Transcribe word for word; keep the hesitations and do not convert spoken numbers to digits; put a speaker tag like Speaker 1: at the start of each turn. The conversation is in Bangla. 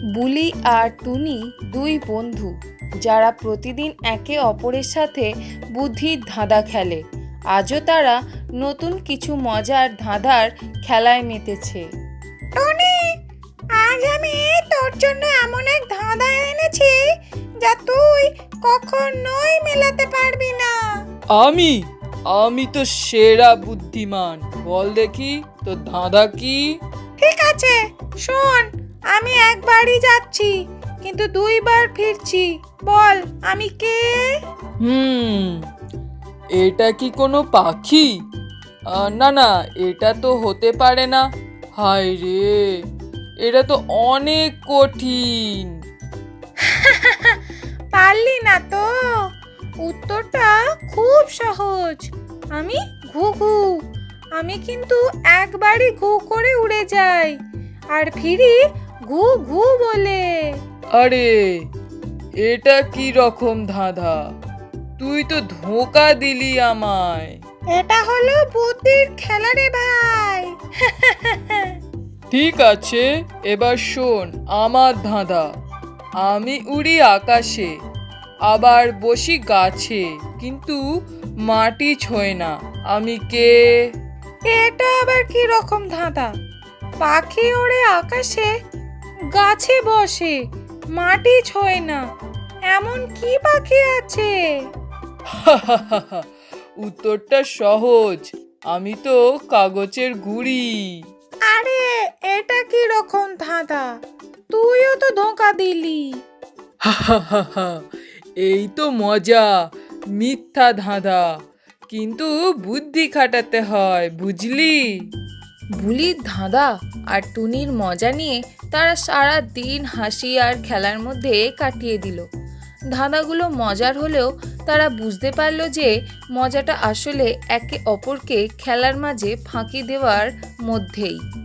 Speaker 1: বুলি আর টুনি দুই বন্ধু যারা প্রতিদিন একে অপরের সাথে বুদ্ধির ধাঁধা খেলে। আজও তারা নতুন কিছু মজার ধাঁধার খেলায় মেতেছে।
Speaker 2: টনি, আজ আমি তোর জন্য এমন এক ধাঁধা এনেছি যা তুই কখনোই মেলাতে পারবি না।
Speaker 3: আমি আমি তো সেরা বুদ্ধিমান, বল দেখি তোর ধাঁধা কি?
Speaker 2: ঠিক আছে, শোন, আমি একবারই যাচ্ছি কিন্তু দুইবার ফিরছি। বল আমি কে?
Speaker 3: হুম এটা কি কোনো পাখি? আহ, না না, এটা তো হতে পারে না। হায় রে, এটা তো অনেক কঠিন।
Speaker 2: পারলি না তো? উত্তরটা খুব সহজ। আমি ঘুঘু। আমি কিন্তু একবারই ঘু করে উড়ে যাই আর ফিরি ঘু ঘু বলে।
Speaker 3: আরে এটা কি রকম ধাঁধা? তুই তো ধোঁকা দিলি আমায়।
Speaker 2: এটা হলো বুদ্ধির খেলা রে ভাই।
Speaker 3: ঠিক আছে, এবার শোন আমার ধাঁধা। আমি উড়ি আকাশে, আবার বসি গাছে, কিন্তু মাটি ছোঁয় না। আমি কে?
Speaker 2: এটা আবার কি রকম ধাঁধা? পাখি ওড়ে আকাশে, গাছে বসে, মাটি ছোঁয় না, এমন কি পাখি আছে?
Speaker 3: উত্তরটা সহজ, আমি তো কাগজের গুঁড়ি।
Speaker 2: আরে এটা কি রকম ধাঁধা? তুইও তো ধোঁকা দিলি।
Speaker 3: এই তো মজা, মিথ্যা ধাঁধা, কিন্তু বুদ্ধি খাটাতে হয়, বুঝলি?
Speaker 1: বুলির ধাঁধা আর টুনির মজা নিয়ে তারা সারা দিন হাসি আর খেলার মধ্যে কাটিয়ে দিল। ধাঁধাগুলো মজার হলেও তারা বুঝতে পারল যে মজাটা আসলে একে অপরকে খেলার মাঝে ফাঁকি দেওয়ার মধ্যেই।